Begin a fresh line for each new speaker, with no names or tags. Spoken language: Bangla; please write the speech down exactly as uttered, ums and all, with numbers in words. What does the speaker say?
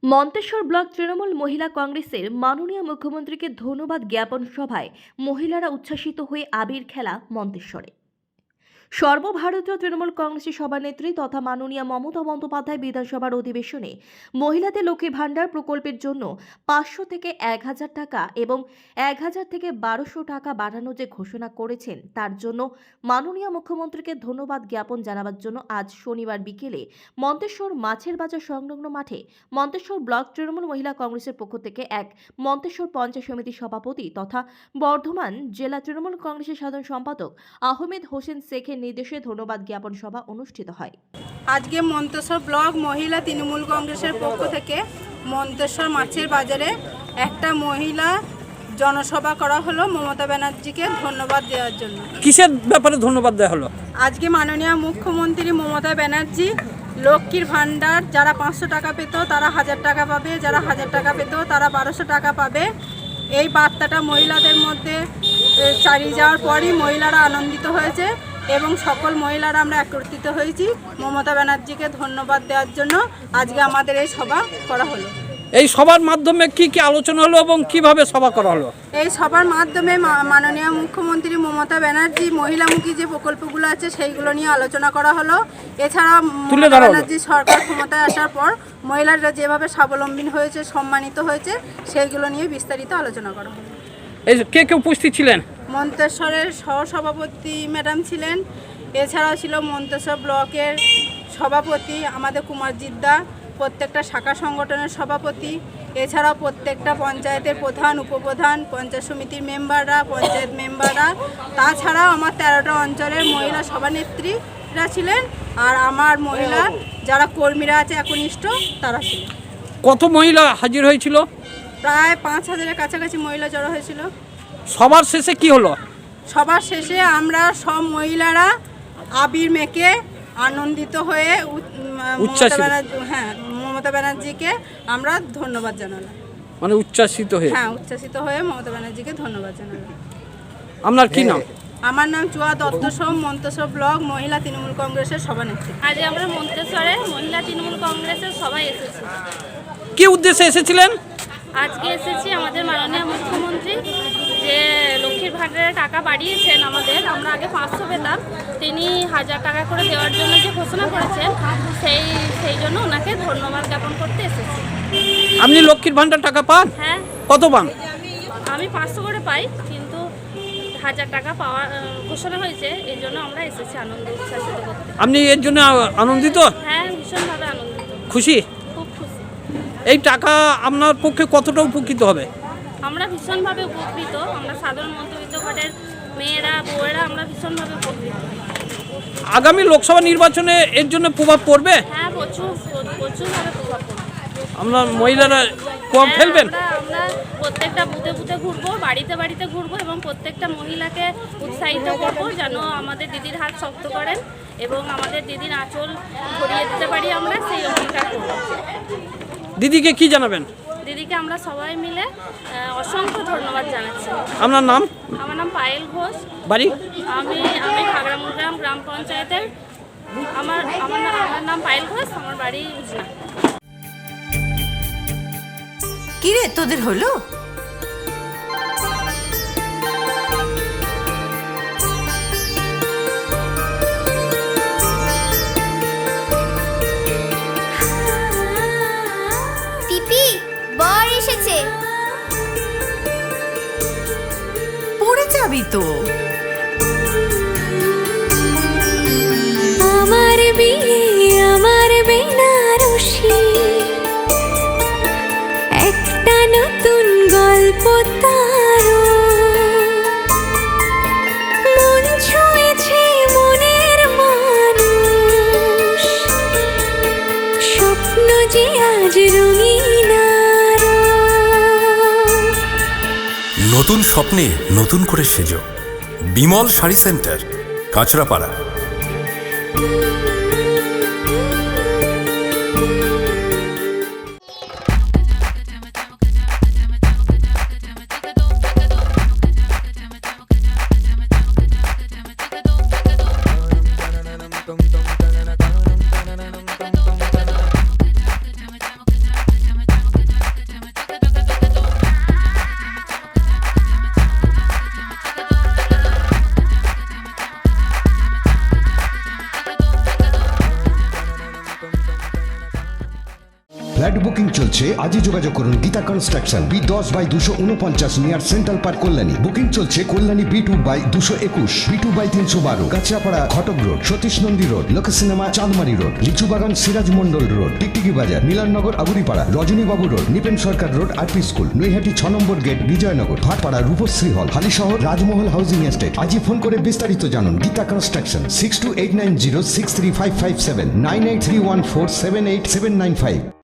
মন্তেশ্বর ব্লক তৃণমূল মহিলা কংগ্রেসের মাননীয় মুখ্যমন্ত্রীকে ধন্যবাদ জ্ঞাপন সভায় মহিলারা উচ্ছ্বাসিত হয়ে আবির খেলা মন্তেশ্বরে। সর্বভারতীয় তৃণমূল কংগ্রেসের সভানেত্রী তথা মাননীয় মমতা বন্দ্যোপাধ্যায় বিধানসভার অধিবেশনে মহিলাদের লক্ষ্মী ভাণ্ডার প্রকল্পের জন্য পাঁচশো থেকে এক হাজার টাকা এবং এক হাজার থেকে বারোশো টাকা বাড়ানোর যে ঘোষণা করেছেন তার জন্য মাননীয় মুখ্যমন্ত্রীকে ধন্যবাদ জ্ঞাপন জানাবার জন্য আজ শনিবার বিকেলে মন্তেশ্বর মাছের বাজার সংলগ্ন মাঠে মন্তেশ্বর ব্লক তৃণমূল মহিলা কংগ্রেসের পক্ষ থেকে এক মন্তেশ্বর পঞ্চায়েত সমিতির সভাপতি তথা বর্ধমান জেলা তৃণমূল কংগ্রেসের সাধারণ সম্পাদক আহমেদ হোসেন শেখের নির্দেশে ধন্যবাদ জ্ঞাপন সভা অনুষ্ঠিত হয়।
আজকে মন্তেশ্বর ব্লক মহিলা তৃণমূল কংগ্রেসের পক্ষ থেকে মন্তেশ্বর মাছের বাজারে একটা মহিলা জনসভা করা হলো মমতা ব্যানার্জিকে ধন্যবাদ দেওয়ার জন্য।
কিসের ব্যাপারে ধন্যবাদ দেওয়া হলো?
আজকে মাননীয় মুখ্যমন্ত্রী মমতা ব্যানার্জি লক্ষ্মীর ভাণ্ডার যারা পাঁচশো টাকা পেত তারা হাজার টাকা পাবে, যারা হাজার টাকা পেত তারা বারোশো টাকা পাবে। এই বার্তাটা মহিলাদের মধ্যে চালিয়ে যাওয়ার পরই মহিলারা আনন্দিত হয়েছে এবং সকল মহিলারা আমরা একত্রিত হয়েছি মমতা ব্যানার্জিকে ধন্যবাদ দেওয়ার জন্য। আজকে আমাদের এই সভা করা হলো।
এই সভার মাধ্যমে কি কি আলোচনা হলো এবং কিভাবে সভা করা হলো?
এই সভার মাধ্যমে মাননীয় মুখ্যমন্ত্রী মমতা ব্যানার্জি মহিলামুখী যে প্রকল্পগুলো আছে সেইগুলো নিয়ে আলোচনা করা হলো। এছাড়া মমতা ব্যানার্জি সরকার ক্ষমতায় আসার পর মহিলারা যেভাবে স্বাবলম্বী হয়েছে, সম্মানিত হয়েছে, সেইগুলো নিয়ে বিস্তারিত আলোচনা করা হলো।
এই কে কে উপস্থিত ছিলেন?
মন্তেশ্বরের সহসভাপতি ম্যাডাম ছিলেন, এছাড়াও ছিল মন্তেশ্বর ব্লকের সভাপতি আমাদের কুমারজিৎ দা, প্রত্যেকটা শাখা সংগঠনের সভাপতি, এছাড়াও প্রত্যেকটা পঞ্চায়েতের প্রধান, উপপ্রধান, পঞ্চায়েত সমিতির মেম্বাররা, পঞ্চায়েত মেম্বাররা, তাছাড়াও আমার তেরোটা অঞ্চলের মহিলা সভানেত্রীরা ছিলেন, আর আমার মহিলা যারা কর্মীরা আছে একনিষ্ঠ তারা ছিলেন।
কত মহিলা হাজির হয়েছিল?
প্রায় পাঁচ হাজারের কাছাকাছি মহিলা জড়ো হয়েছিল।
সবার শেষে কি হলো?
সবার শেষে আমরা সব মহিলারা আবির মেখে আনন্দিত হয়ে মমতা ব্যানার্জি হ্যাঁ মমতা ব্যানার্জিকে আমরা ধন্যবাদ জানালাম।
মানে উচ্ছ্বাসিত হয়ে?
হ্যাঁ, উচ্ছ্বাসিত হয়ে মমতা ব্যানার্জিকে ধন্যবাদ জানালাম।
আপনার কি নাম?
আমার নাম চুয়া দত্ত সোম, মন্তেশ্বর ব্লক মহিলা তৃণমূল কংগ্রেসের সভানেত্রী।
আজ আমরা মন্তেশ্বরে মহিলা তৃণমূল কংগ্রেসের সবাই এসেছি।
কি উদ্দেশ্যে এসেছিলেন?
আজকে এসেছি আমাদের মাননীয় মুখ্যমন্ত্রী যে লক্ষ্মীর ভাণ্ডারের টাকা বাড়িয়েছেন আমাদের, আমরা আগে পাঁচশো পেতাম, তিনি হাজার টাকা করে দেওয়ার জন্য যে ঘোষণা করেছেন সেই সেই জন্য ওনাকে ধন্যবাদ জ্ঞাপন করতে এসেছি।
আপনি লক্ষ্মীর ভাণ্ডার টাকা পান?
হ্যাঁ।
কত পান?
আমি পাঁচশো করে পাই, কিন্তু হাজার টাকা পাওয়া ঘোষণা হয়েছে, এই জন্য আমরা এসেছি আনন্দ উচ্ছ্বাসিত করতে।
আপনি এর জন্য আনন্দিত?
হ্যাঁ, ভীষণভাবে আনন্দিত,
খুশি?
খুব খুশি।
এই টাকা আপনার পক্ষে কতটা উপকৃত হবে?
আমরা ভীষণভাবে উপকৃত, আমরা সাধারণ মধ্যবিত্ত ঘরের মেয়েরা, বউয়েরা আমরা ভীষণভাবে উপকৃত।
আগামী লোকসভা নির্বাচনে এর জন্য প্রভাব পড়বে?
হ্যাঁ, প্রচুর প্রচুরভাবে প্রভাব পড়বে।
আমরা মহিলারা কম ফেলবেন?
আমরা প্রত্যেকটা বুথে বুথে ঘুরবো, বাড়িতে বাড়িতে ঘুরবো এবং প্রত্যেকটা মহিলাকে উৎসাহিত করবো যেন আমাদের দিদির হাত শক্ত করেন এবং আমাদের দিদির আঁচল ধরিয়ে দিতে পারি, আমরা সেই অঙ্গীকার করবো।
দিদিকে কি জানাবেন?
দিদিকে আমরা সবাই মিলে অসংখ্য ধন্যবাদ জানাচ্ছি।
আপনার নাম?
আমার নাম পায়েল ঘোষ।
বাড়ি?
আমি আমি খাগড়ামুড়গ্রাম গ্রাম পঞ্চায়েতের। আমার আমার আমার নাম পায়েল ঘোষ, আমার বাড়ি উজনা।
কি রে তোদের হলো?
টিপি বর এসেছে।
পড়ে যাবি তো।
আমার বিয়ে আমার বেনারসি, একটা নতুন গল্প তার, মন ছুঁয়েছে মনের মানুষ, স্বপ্ন যে আজ রঙিন।
নতুন স্বপ্নে নতুন করে সেজো। Bimal sari centre, Kanchrapara.
dum dum dum dum dum dum dum dum dum dum dum flat booking চলছে, আজই যোগাযোগ করুন গীতা কনস্ট্রাকশন, বি দশ বাই দুশো উনপঞ্চাশ near central park Kalyani. Booking চলছে কল্যাণী বি টু বাই দুশো একুশ, বি টু বাই তিনশো বারো, Kanchrapara Ghatak road, Satish Nandi road, Lok cinema Chandmari road, Lichubagan Siraj Mondal road, Tiktiki বাজার, Milannagar Aburipara, Rajanibabu road, Nipen Sarkar road, R P school, Naihati ছ নম্বর gate, Bijaynagar, Bhatpara Rupashree hall, Halisahar Rajmahal housing estate. আজই ফোন করে বিস্তারিত জানুন। Gita construction, six two eight nine zero six three five five seven, nine eight three one four seven eight seven nine five.